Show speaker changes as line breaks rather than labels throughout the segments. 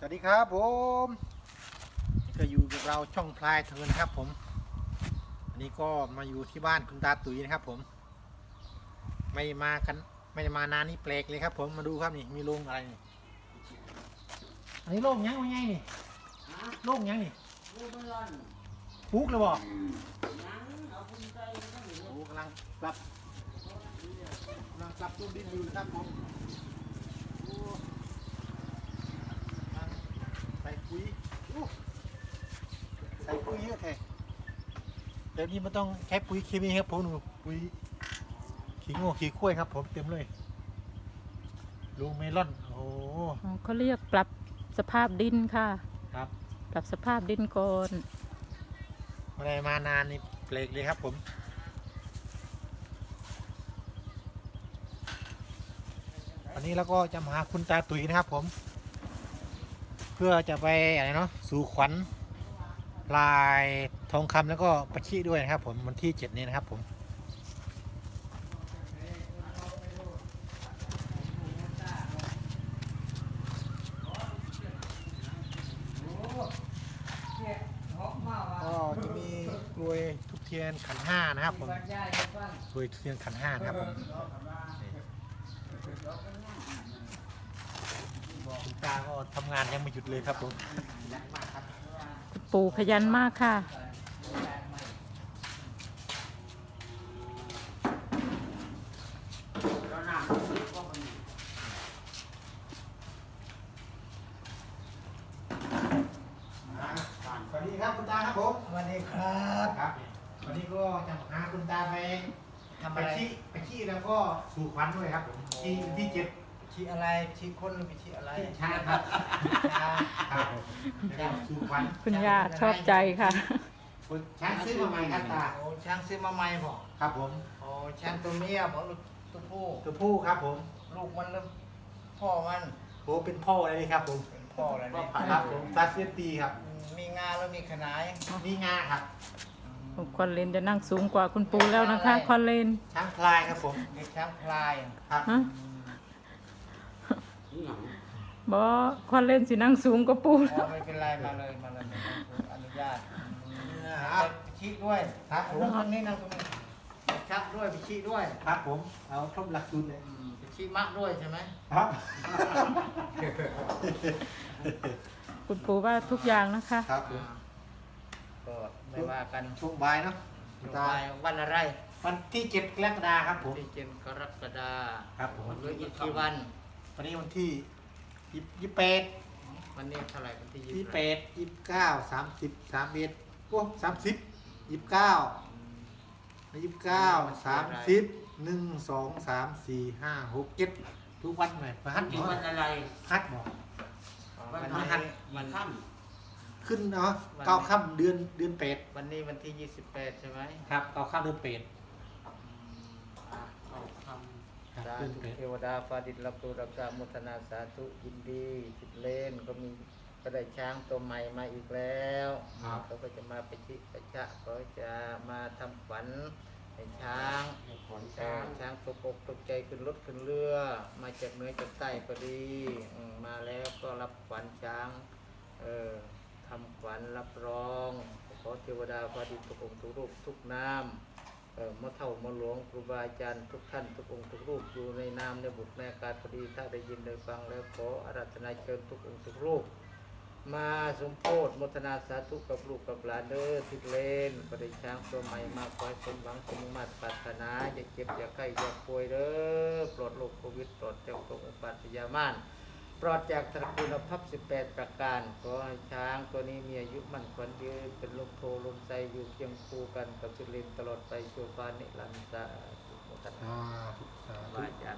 วัสดีครับผมก็อยู่กับเราช่องพลายเทิร์นนะครับผมอันนี้ก็มาอยู่ที่บ้านคุณตาตุ๋ยนะครับผมไม่มากันไม่ได้มานานนี่แปลกเลยครับผมมาดูครับนี่มีโรงอะไรนี่อันนี้โรงยังไงนี่โรงยังนี่ปลูกเลยบ่โอ้กำลังปรับต้นดินอยู่นะครับผมใส่ปุ๋ยใส่ปุ๋ยเยอะแท้เดี๋ยวนี้มันต้องใช้ปุ๋ยเคมีครับผมหนูปุ๋ยขี้งูขี้ข้วยครับผมเต็มเลยลูเมลอนโอ้
เขาเรียกปรับสภาพดินค่ะ
ครับ
ปรับสภาพดินก่อน
อะไรมานานนี่เปลกเลยครับผมวันนี้เราก็จะมาหาคุณตาตุ๋ยนะครับผมเพื่อจะไปอะไรเนาะสู่ขวัญลายทองคำแล้วก็ประชิด้วยนะครับผมวันที่7นี้นะครับผมก็จะมีกล้วยทุกเทียนขันห้านะครับผมกล้วยทุกเทียนขันห้านะครับผมคุณตาก็ทำงานยังไม่หยุดเลยครับผม
ปู่ขยันมากค่ะ
สวัสดีครับคุณตาครับผม
สวัสดีครับ
วันนี้ก็จะพาคุณตาไป
ทำอะไร
ไปขี้แล้วก็สู่ขวัญด้วยครับผมที่7
ชี้อะไรชี้คนหรือไปชี้อะไร
ช้างครับช้างครับแล้วก็สู่ขวัญ
คุณย่าชอบใจค่ะ
ช้างซื้อมาใหม่ครับตา
โอ้ช้างซื้อมาใหม่บอก
ครับผม
โอ้ช้างตัวเมียบอกลูกตัวผู้
ตัวผู้ครับผม
ลูกมันหรือพ่อมัน
โอ้เป็นพ่อเลยครับผม
เป็นพ่ออะไรนี่
ครับผมซาเซียตีครับ
มีงาแล้วมีขนาย
นี่งาครับ
คอนเลนจะนั่งสูงกว่าคุณปู่แล้วนะคะคอนเลน
ช้างพลายครับผม
เด็กช้างพลาย
ครับ
บอคอนเลนสินั่งสูงกว่าปู่
ไม่เป็นไรมาเลยอนุญาตชี้ด้วย
ครับผม
ตรงนี้นั่งตรงนี้ชักด้วยไปชี้ด้วย
ครับผมเอาครบหลักสูตรเลย
ไปชี้มะด้วยใช่ไหม
ครับ
คุณปู่ว่าทุกอย่างนะคะ
ครับผม
ก็ไม่ว่ากัน
ช่วงบ่ายเนาะ
วันอะไร
วันที่7กรกฎาคมครับผม
ที่7กรกฎาคม
ครับผม
เหลืออีกกี่วัน
วันนี้วันที่28
วันนี้เท่าไหร่วันที่
28 29 30 31โอ้30 29 30 1 2 3 4 5 6 7ทุกวันไหมพระหัตถ์
วันอะไร
ฮัตบอก
วันพฤหัสวันค่
ำขึ้นเนาะ9 ค่ำเดือนเป็ด
วันนี้วันที่28ใช่ไหม
ครับ9 ค่ำเดือนเป็ด
สาธุเทวดาฟ้าดินรับรู้รับทราบมุทนาสาธุยินดีจิตเล่นก็ได้ช้างตัวใหม่มาอีกแล้วเขาก็จะมาไปชิไปชะเขาจะมาทำขวัญให้ช้างช้างตกอกตกใจขึ้นรถขึ้นเรือมาจากเหนือจากใต้พอดีมาแล้วก็รับขวัญช้างทำขวัญรับรองขอเทวดาฟ้าดินทุกองค์ทุกรูปทุกนามมะเท่ามะหลวงครูบาอาจารย์ทุกท่านทุกองค์ทุกรูปอยู่ในนามในบุตรในอากาศพอดีถ้าได้ยินได้ฟังแล้วขออาราธนาเชิญทุกองค์ทุกรูปมาสมโภชโมทนาสาธุกับลูกกับหลานเด้อทิศเลนประเดช้างตัวใหม่มาคอยสมหวังสมมาตรปรารถนาอย่าเจ็บอย่าไข้อย่าป่วยเด้อปลอดโรคโควิดปลอดจากโรคอุบัติยามานปลอดจากตระกูลภัพ18ประการขอให้ช้างตัวนี้มีอายุมั่นขวัญยืนเป็นลมโพลมใจอยู่เคียงคู่กันกับศิลินตลอดไปชั่วฟ้านิรันดร์สุขตันบาจัน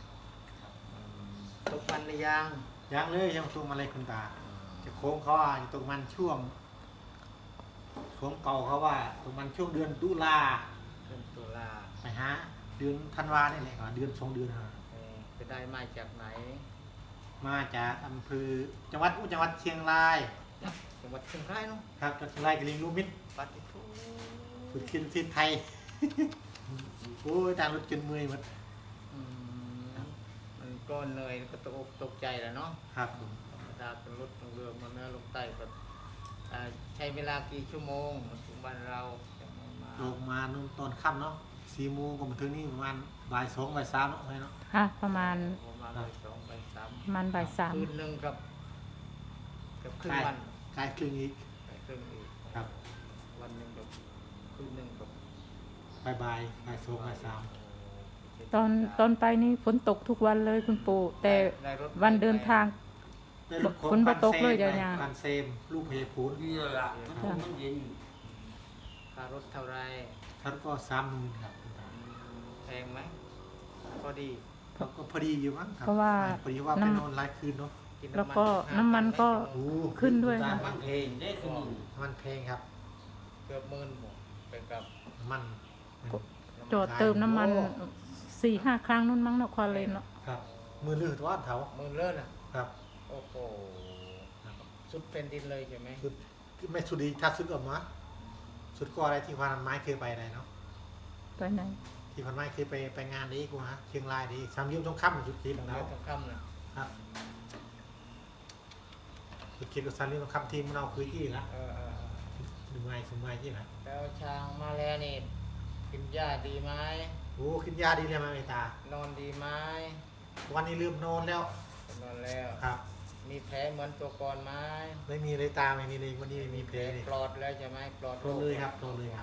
ตกมันหรือ
ยังเลยยังตรงมาเลยคุณตาจะโค้งเขาอยู่ตรงมันช่วงเก่าเขาว่าตรงมันช่วงเดือนตุลาไปฮะเดือนธันวาเนี่ยแหละเดือน2 เดือน
จะได้มาจากไหน
มาจากอำเภอจังหวัดเชียงราย
เนาะครับจังหวัดเชียงราย
กลิงลูมิด
ปฏิทุ
ฝึกขึ้นที่ไทยโอ้ยต่างรถจนเมื่อยหมด
มันก็เหนื่อยก็ตกใจแล้วเนาะ
ครับ
ดาขึ้นรถทางเรือมาเนื้อลงใต้ก็ใช้เวลากี่ชั่วโมงมาถึงบ้านเราจะมา
ลงมานู่นตอนค่ำเนาะ4 โมงก็มาถึงนี่ประมาณบ่าย 2บ่าย 3เนาะให้เนาะ
ค่ะประมาณ
ประมาณบ่ายสองบ่ายสาม
ประมาณบ่ายสาม
คืนหนึ่งกับครึ่งวัน
กายครึ่งอีก
ครึ่งอีก
ครับ
วันหนึ่งกับคืนหนึ่งกับ
บ่าย2บ่าย
ตอนไปนี่ฝนตกทุกวันเลยคุณปู่แต่
ได้รถ
วันเดินทาง
3ได้รถขน
ฝนบ่ตกเลย
พัน
ยาวๆ
พันเซมลูกพยาพูน
ดีแล้วล่ะมันเย็น
ค่ารถเท่าไร
ท่านก็30,000ครับ
แพงไหมพอดี
เขาก็พอดีอยู่มั้งครับ
เพราะว่า
พอดีว่าไปนอนหลายคืนเนาะ
กิน
แล้วก็น้ำมันก็
โอ้
ขึ้นด้วย
มันเพลงได้คือหนึ่ง
มันแพงครับ
เกือบ10,000หมดเป็นกับ
มัน
จอดเติมน้ำมัน4-5 ครั้งนู่นมั้งเนาะควาเลนเนาะ
ครับ มือลื่นว่าเถา
หมื่นเลิศอ่ะ
ครับ
โอ้โหสุดเป็นดินเลยใช่ไหม
สุดไม่สุดดีถ้าสุดออกมาสุดก็อะไรที่พันไม้เคยไปอะไรเนาะ
ไปไหน
ที่พันไม้เคยไปงานนี้กูฮะเชียงรายดีสามยิ้มต้องค่ำสุดคิด
ต้อง
แล้
เลื
ว
อกต้องคำนะครับ
สุดคิดกับสามยิ้มต้องค่ำทีมมันเอาคืนที่ละ
เออ
สมัยที่ละ
แล้วช้างมาแล้วนี่กินหญ้าดีไหม
โอ้ขึ้นยาดีเลยมาเมตาน
อนดีไหม
วันนี้ลืมนอนแล้ว
นอนแล้ว
ครับ
มีแผลเหมือนตัวก่อนไหม
ไม่มีเลยตาไม่มีเลยวันนี้ไม่มีเพลเลย
ปลอดแล้วใช่ไหมปลอด
ปลอดเลยครับปลอดเลยครับ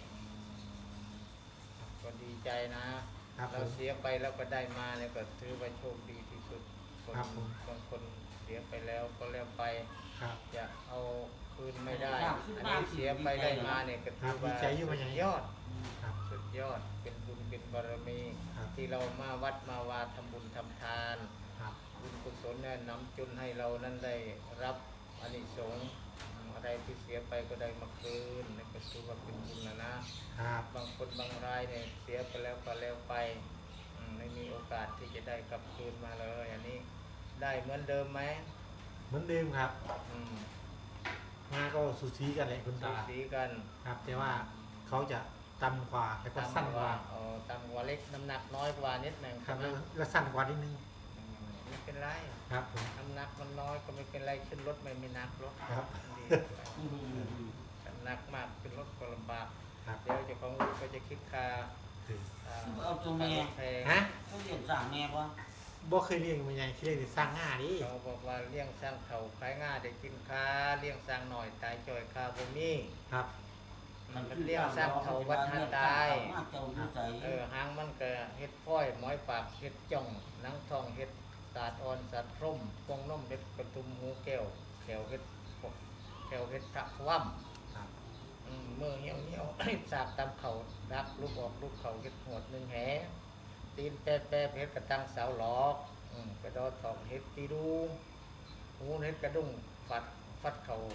ก็ดีใจนะครับ เรา
ผม
เสียไปแล้วก็ได้มาเนี่ยก็ถือว่าโชคดีที่สุดคน
ครับผม
บางคนเสียไปแล้วก็แล้วไป
ครับ
จะเอาคืนไม่ได้ อันนี้เสียไปได้มาเนี่ยก็ถือว่า
ดีใจอยู่มันยัง
สุดยอด
ครับ
สุดยอดเป็นบุญเป็นบารมี
ครับ
ที่เรามาวัดมาวาทำบุญทำทาน
ครับ
บุญกุศลเนี่ยนำจุนให้เรานั้นได้รับอานิสงส์อะไรที่เสียไปก็ได้มาคืนนี่ก็ถือว่าเป็นบุญนะครับ บางคนบางรายเนี่ยเสียไปแล้วก็แล้วไปไม่มีโอกาสที่จะได้กลับคืนมาเลยอันนี้ได้เหมือนเดิมไหม
เหมือนเดิมครับ
อืม
งานก็สูสีกันแหละคุณ
สู
ตา
สีกัน
ครับ แต่ว่าเขาจะต่ำกว่าแล้วก็สั้นกว่า
ต่ำกว่าเล็กน้ำหนักน้อยกว่านิดหนึ่ง
ครับ
ใช่ไหม
แล้วสั้นกว่านิดนึง
ไม่เป็นไร
ครับผม
น้ำหนักมันน้อยก็ไม่เป็นไรขึ้นรถไม่มีหนักรถ
ครับ
ดีน้ำหนักมากขึ้นรถก็ลำบาก
ครับ
เดี๋ยวเจ้าของรถก็จะคิดค่า
เอาตัวแม่
แพง
ฮะ
เขาเรียกสั่งแม่ป่ะ
บ่เคยเลี้ยงมันยังเคยเลี้ยงแต่สร้างง่าดิ
เขาบอกว่าเลี้ยงสร้างเถาขายง่าได้กินค้าเลี้ยงสร้างหน่อยตายจ่อยค้าบ่มี
ครับ
มันเลี้ยงสร้างเถาวัดทันตาย
มาเจ้าดูใจ
หางมันก็เฮ็ดพ้อยหมอยปากเฮ็ดจ่องหนังทองเฮ็ดสาดอ่อนสาดพร่มกงนมเฮ็ดกระตุมหูแก้วแขวเฮ็ดพวกแขวเฮ็ดกะว่ำ
ครับ
มือเหี่ยวเหี่ยว สากตามเข่าดักลูกออกลูกเข่าเฮ็ดหวดหนึ่งแหตีนแปะแปะเฮ็ดกระตังเสาหลอกกระดอทองเฮ็ดตีดูหูเฮ็ดกระดุ้งฟัดเข่า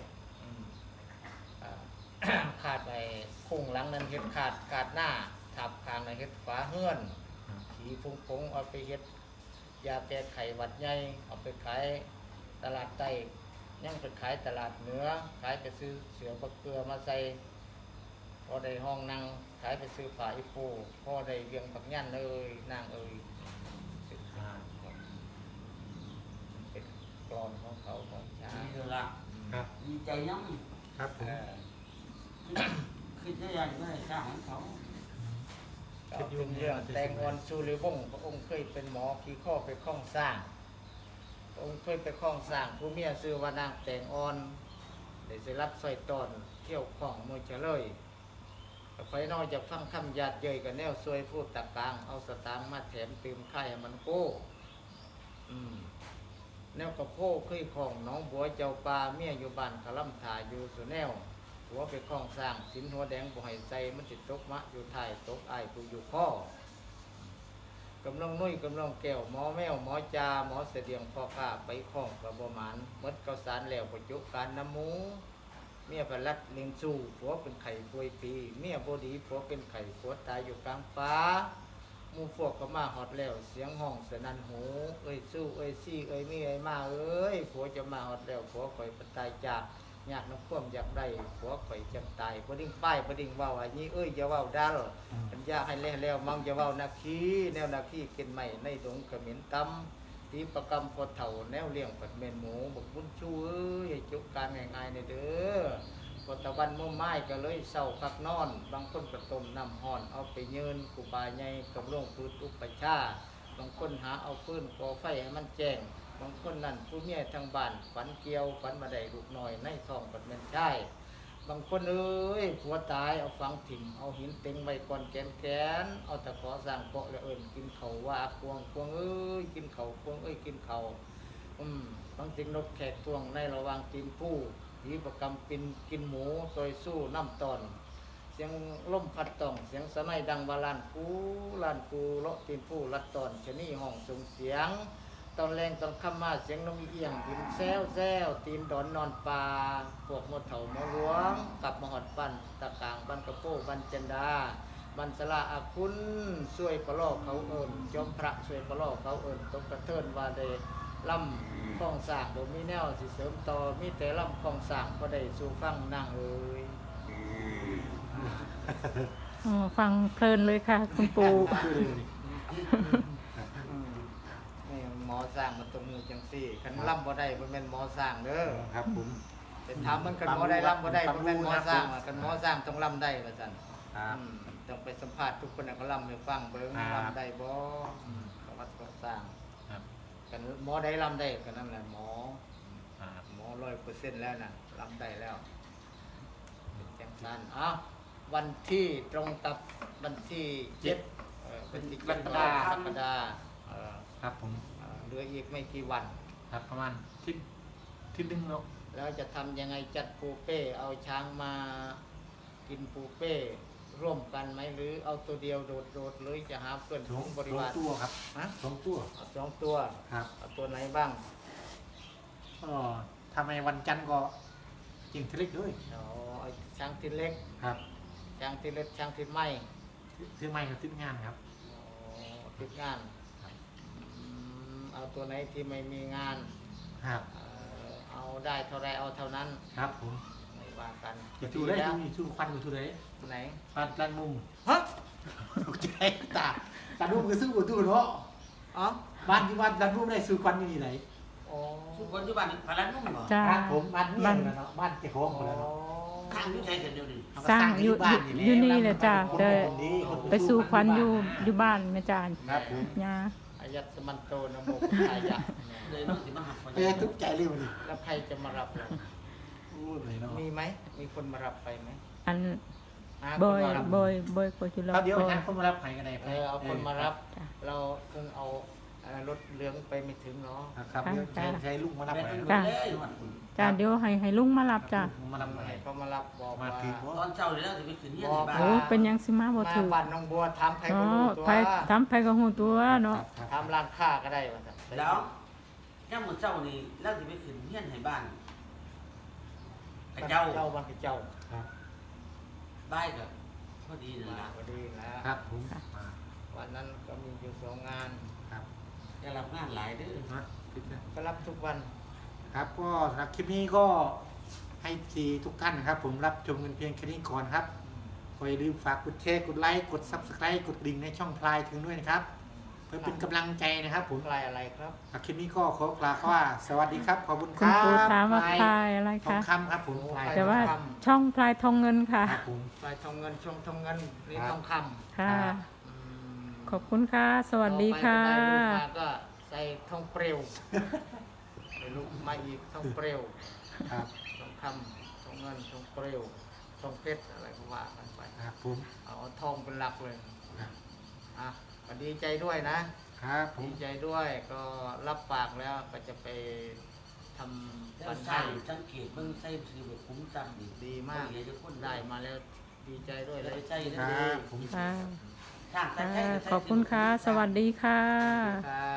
ขาดไปพุ่งหลังนั้นเฮ็ดขาดหน้าทับคางนั้นเฮ็ดฝาเฮือนขี่ฟงเอาไปเฮ็ดยาแก้ไขหวัดใหญ่เอาไปขายตลาดใต้ยังไปขายตลาดเหนือขายไปซื้อเสือบักเกลือมาใส่พอได้ห้องนั่งขายไปซื้อฝาอีโฟพอได้เวียงปักยันเอ้ยนางเอ้ยเป็นกรอนของเขาของช้าง
ดีแล้วล่ะ
ครับ
ดีใจยัง
ครับผม
คือจะยังไม่ได้สร้างของเขา
ก็เป็นเรื่องแตงอ่อนชูริวงศ์พระองค์เคยเป็นหมอขี่ข้อไปคล้องสร้างพระองค์เคยไปคล้องสร้างผู้เมียชื่อว่านางแตงอ่อนได้สิรับสร้อยตอนเที่ยวคล้องมือเฉลยไฟนอกจากฟังคำหยาดเย้ยกับแนวซวยพูดตะกลางเอาสตางค์มาแถมตื่มไข่ให้มันโก้แนวกระโพกเคยคล้องน้องบัวเจ้าปลาเมียอยู่บ้านกะล่ำถ่ายอยู่สุแนวหัวไปคล้องสร้างสินหัวแดงบ่ให้ใจมันติดตกมะอยู่ท้ายตกอ้ายผู้อยู่ข้อกำลังนุ่ยกำลังแก้วหมอแมวหมอจาหมอเสดียงพ่อข้าไปคล้องกระบหมานมดเกาสารแล้วประจุการน้ำหมูเมียพลัดเลี้ยงสู้ผัวเป็นไข่ป่วยปีเมียบดีผัวเป็นไข่ผัวตายอยู่กลางฟ้าหมูพวกก็มาหอดแล้วเสียงห้องสนั่นหูเอ้ยสู้เอ้ยซี่เอ้ยมีเอ้ยมาเอ้ยผัวจะมาหอดแล้วผัวข่อยปตายจากอยากน้ำพ่วมอยากได้ผัวข่อยจำตายบ่ดิ้งป้ายบ่ดิ้งเว้าอันนี้เอ้ยอย่าเว้าดัลปัญญาให้แล้วมังอย่าเว้านาคีแนวนาคีกินใหม่ในดงขมิ้นตำตีประกรรมพอเถ่าแนวเลี้ยงปัดเมนหมูบอกบุญชูเอ้ยให้จุกการง่ายๆในเด้อพอตะวันมุ่งไม้ก็เลยเศร้าคักนอนบางคนก็ต้มน้ำห่อนเอาไปเยินกูบาใหญ่กับร่วงพื้นอุปชาบางคนหาเอาฟืนก่อไฟให้มันแจ้งบางคนนั่นผู้เมียทางบ้านฝันเกี่ยวฝันมาได้ลูกน้อยในท้องปัดเมนใช่บางคนเอ้ยผัวตายเอาฝังถิ่มเอาหินเต็งไว้ก่อนแกนเอาตะขอสร้างเกาะแล้วเอิญกินเขาว่าควงเอ้ยกินเขาควงเอ้ยกินเขาบางสิ่งนกแขกทวงในระหว่างตีนผู้ผีประกำปินกินหมูซอยสู้น้ำตอนเสียงล่มพัดต้องเสียงสะไนดังบาลานกูเลาะตีนผู้ลัดตอนชะนี่ห้องส่งเสียงตอนแรงตอนค่ำมาเสียงนกเอี้ยงบินแซวตีนดอนนอนปลาพวกมดเถาหมอหลวงกับมหอดปันตะกางบันกระโปบันจันดาบันสลาอาคุณช่วยกระลอกเขาเอิญจอมพระช่วยกระลอกเขาเอิญตกกระเทินว่าได้ล่ำคลองสากบ่มีแนวสิเสริมต่อมีแต่ล่ำคลองสากก็ได้สู่ฟังนางเอ้ย
อ๋อฟังเพลินเลยค่ะ คุณปู่
นี่หมอสร้างมันตรงมือจังซี่คันล่ำบ่ได้บ่แม่นหมอสร้างเด้อ
ครับผม
เป็นถามมันคันหมอได้ล่ำบ่ได้บ่แม่นหมอสร้างคันหมอสร้างต้องล่ำได้ว่าซั่น
ครับ
ต้องไปสัมภาษณ์ทุกคนก็ล่ำให้ฟังเบิ่งล่ำได้บ่ประวัติของสร้าง
ครับ
กันหมอได้ล่ำได้ก็นั่นแหละหมอ
ครับ
หมอ100%แล้วน่ะล่ำได้แล้วเป็นจังซั่นวันที่ตรงกับวันที่7วันที่7กรกฎาคม
ครับผม
เหลืออีกไม่กี่วัน
ครับประมาณที่ดึงเนาะ
แล้วจะทำยังไงจัดปูเป้เอาช้างมากินปูเป้ร่วมกันไหมหรือเอาตัวเดียวโดดๆหรือจะหาเพื่อนฝูงบริวาร
ตัวครับ
ฮะ
2 ตัว
เอา2 ตัว
ครับ
เอาตัวไหนบ้าง
ก็ทำไมวันจันทร์ก็จริงทะเลเลย
เอาช้างทินเล็ก
ครับ
ช้างทินเล็กช้างทินไม้
ซื้อไม้กับซื้องานครับ
ติดงาน
ครับ
เอาตัวไหนที่ไม่มีงาน
ครับ
เอาได้เท่าไรเอาเท่านั้น
ครับผม
ไม่ว่ากัน
จะชูได้
แล้ว
ชูควันอยู่ชูได้
ไหน
ร้านมุม
ฮะ
ตกใจตามุมก็ซื้ออยู่ตู้เนาะ
อ๋อ
บ้านที่บ้านร้านมุมได้ซื้อควันอยู่ไหน
อ๋อ
ทุกคนอยู่บ้านพลันนุ่มบ่
จ้า
บ้านผมบ้านนี่แหละเนาะบ้านเจ้าของคนละเนาะ
ทางอยู่ไสกันเดียวนี่
สร้างอยู่
บ้าน
อยู่นี่แหละจ้า
คน
แต่
คนดีคน
ไปสู่ควันอยู่บ้านแม่จาน
ครับผม
ยา
อายัตสมันโตนะโมพุทธายะ
เลยน้องสิมาหัก
เอ้ยทุกข์ใจเลยวันนี้
แล้วใครจะมารับเรา
โอ้ยเลยเนาะ
มีไหม มีคนมารับไปไหม
อัน
หา
บ
ค
อน ย
มารับบ
อยก็จุฬา
เอาเดี๋ยว
บอย
งานคนมารับใครกันได้
เอาคนมารับ
จ้ะ
เราเพิ่งเอารถเหลืองไปไม่ถึงเนาะ
ครับเดี๋ยวใช้ลุงมารับ
แม่
ไป
น
จ้ะ
เลยหมด
จ้าเดี๋ยวให้ลุงมารับจ้า
มารับไป
ให้เขามารับบอก
มา
ว่า
ถึง
ตอนเช้านี่แล้วสิไปขึ้นเฮียนในบ้าน
โอ้เป็นหยังสิมาบ่
มา
ถือ
บ้านน้องบัวถามใคร
อ๋อ
ก็รู้ตัว
ไปทำไปก็ฮู้ตัวเนาะ
ถามร้านค้าก็ได้ว่าซั่น
แล้วย่ามมื้อเช้านี่แล้วสิไปขึ้นเฮียนให้บ้านกระเจ้า
เจ้าบ้านกระเจ้า
ครับ
บ้ายก็พอดีนั่น
มา
ล่ะ
ก็ดีนะ
ครับผมมา
วันนั้นก็มีอยู่2 งาน
ครับ
อย่ารับงานหลายเด้อ
นะคิดนะ
ก็รับทุกวัน
ครับก็สำหรับคลิปนี้ก็ให้ทีทุกท่านนะครับ ผมรับชมกันเพียงแค่นี้ก่อนครับก็อย่าลืมฝากกดแชร์กดไลค์กด Subscribe กดกระดิ่งในช่องพลายถึงด้วยนะครับ เพื่อเป็นกำลังใจนะครับผม
ใครอะไรครับ
คลิปนี้ก็ขอกล่าวว่าสวัสดีครับขอบคุณค
คุณ
รับ
ปู่ถามว่า
พล
พลายอะไร
ทอง
คะ
คำครับผมพลาย
แต่ว่าช่องพลายทองเงินค่ะ
ครับผม
ปลายทองเงินชงทองเงินนี่
ครับ
ทองคำ
ค่ะ
อืม
ขอบคุณค่ะ สวัสดีค่ะ
ต่อไปก็ได้ลูกมาก็ใส่ทองเปลวได้ลูกมาอีกทองเปลว
ครับ
ทองคำทองเงินทองเปลวทองเพชรอะไรก็ว่ากันไป
ครับผม
เอาทองเป็นหลักเลย
ครับ
อ่ะก็ดีใจด้วยนะครับ
ผม
ดีใจด้วยก็รับปากแล้วก็จะไปทำ
แล้ว
ปัน
สร้า
ให้
งสังเกตเบิ่งใส่สิแบบคุ้มจังดี
ดีมาก
เดี๋ยวจะคน
ได้มาแล้วดีใจด้วย
ได้
เลย
ใจ
ค
เด้
รั
อบ
ผม
ค่ะ
สร้างแต่
ค่ะ
ใจ
ขอบคุณค่ะ สวัสดีค่ะ
ครับ